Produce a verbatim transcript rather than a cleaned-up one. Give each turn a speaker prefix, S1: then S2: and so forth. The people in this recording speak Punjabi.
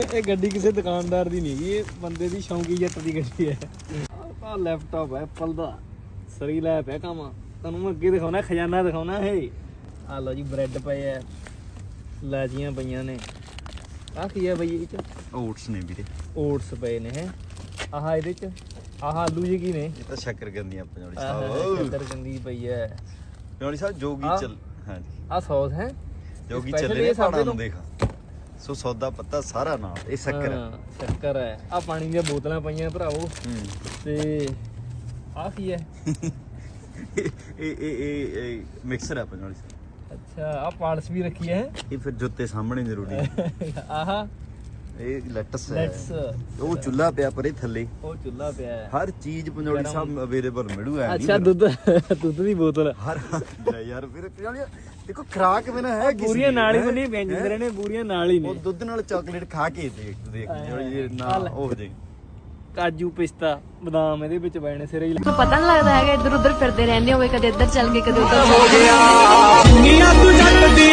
S1: ਇਹ ਗੱਡੀ ਕਿਸੇ ਦੁਕਾਨਦਾਰ ਦੀ ਨਹੀਂ ਗਈ, ਇਹ ਬੰਦੇ ਦੀ ਸ਼ੌਂਕੀ ਜੱਟ ਦੀ ਗੱਡੀ ਹੈ। ਆਹ ਲੈਪਟਾਪ ਹੈ ਐਪਲ ਦਾ, ਸਰੀ ਲੈ ਪਿਆ ਕੰਮ। ਤੁਹਾਨੂੰ ਮੈਂ ਅੱਗੇ ਦਿਖਾਉਣਾ, ਖਜ਼ਾਨਾ ਦਿਖਾਉਣਾ ਹੈ। ਆ ਲਓ ਜੀ ਬ੍ਰੈਡ ਪਏ ਐ, ਲਾਜੀਆਂ ਪਈਆਂ ਨੇ। ਆਹ ਕੀ ਹੈ ਬਈ ਇਹ ਚ?
S2: ਓਟਸ ਨੇ ਵੀਰੇ,
S1: ਓਟਸ ਪਏ ਨੇ ਹੈ। ਆਹ ਇਹਦੇ ਚ ਆਹ ਆਲੂ ਜੀ ਕੀ ਨੇ?
S2: ਇਹ ਤਾਂ ਸ਼ੱਕਰਕੰਦੀਆਂ ਪੰਜਾਬੀ
S1: ਆਹ
S2: ਸਾਹਿਬ।
S1: ਸ਼ੱਕਰਕੰਦੀ ਪਈ ਹੈ
S2: ਪੰਜਾਬੀ ਸਾਹਿਬ ਜੋਗੀ ਚੱਲ। ਹਾਂਜੀ
S1: ਆਹ ਸੌਸ ਹੈ
S2: ਜੋਗੀ
S1: Special
S2: ਚੱਲੇ ਨੇ
S1: ਇਹ ਸਾਡੇ
S2: ਪਹਾੜਾਂ ਨੂੰ
S1: ਤੋਂ।
S2: ਦੇਖ। ਸੋ ਸੌਦਾ ਪੱਤਾ ਸਾਰਾ ਨਾਲ, ਇਹ ਸ਼ੱਕਰ ਹੈ।
S1: ਹਾਂ, ਸ਼ੱਕਰ ਹੈ। ਆ ਪਾਣੀ ਦੀਆਂ ਬੋਤਲਾਂ ਪਈਆਂ ਭਰਾਵੋ।
S2: ਹੂੰ
S1: ਤੇ ਆਹ ਕੀ ਹੈ?
S2: ਇਹ ਇਹ ਇਹ ਇਹ ਮਿਕਸਰ ਹੈ ਪੰਜਾਬੀ ਸਾਹਿਬ।
S1: ਅੱਛਾ ਆ ਪਾਲਸ ਵੀ ਰੱਖੀ ਹੈ।
S2: ਇਹ ਫਿਰ ਜੁੱਤੇ ਸਾਹਮਣੇ ਜ਼ਰੂਰੀ ਹੈ।
S1: ਆਹਾ
S2: ਇਹ ਲੈਟਸ ਹੈ।
S1: ਲੈਟਸ
S2: ਉਹ ਚੁੱਲ੍ਹਾ ਪਿਆ ਪਰੇ ਥੱਲੇ,
S1: ਉਹ ਚੁੱਲ੍ਹਾ ਪਿਆ ਹੈ।
S2: ਹਰ ਚੀਜ਼ ਪੰਜਾਬੀ ਸਾਹਿਬ ਅਵੇਲੇਬਲ ਮਿਲੂ ਹੈ।
S1: ਅੱਛਾ ਦੁੱਧ ਦੁੱਧ ਦੀ ਬੋਤਲ
S2: ਹਰ ਲੈ ਯਾਰ ਫਿਰ ਪੰਜਾਬੀ ਦੇਖੋ ਖਰਾਕ ਬਿਨਾ ਹੈ ਕਿਸੇ
S1: ਪੂਰੀਆਂ ਨਾਲ ਹੀ
S2: ਹੈਂ?
S1: ਬਣੀ ਵਿਅੰਜਨ ਨੇ, ਪੂਰੀਆਂ ਨਾਲ ਹੀ
S2: ਉਹ
S1: ਨੇ।
S2: ਦੁੱਧ ਨਾਲ ਚਾਕਲੇਟ ਖਾ ਕੇ ਦੇਖ ਦੇਖ ਜਿਹੜੀ ਨਾ ਉਹ ਜੇ
S1: ਕਾਜੂ ਪਿਸਤਾ ਬਦਾਮ ਇਹਦੇ ਵਿੱਚ ਪੈਣੇ ਸਿਰੇ ਹੀ।
S3: ਪਤਾ ਨਹੀਂ ਲੱਗਦਾ ਹੈਗਾ, ਇੱਧਰ ਉੱਧਰ ਫਿਰਦੇ ਰਹਿੰਦੇ ਹੋਵੇ, ਕਦੇ ਇੱਧਰ ਚੱਲ ਗਏ ਕਦੇ ਉੱਧਰ
S4: ਹੋ ਗਿਆ ਦੁਨੀਆ ਤੂੰ ਜੱਟ ਦੀ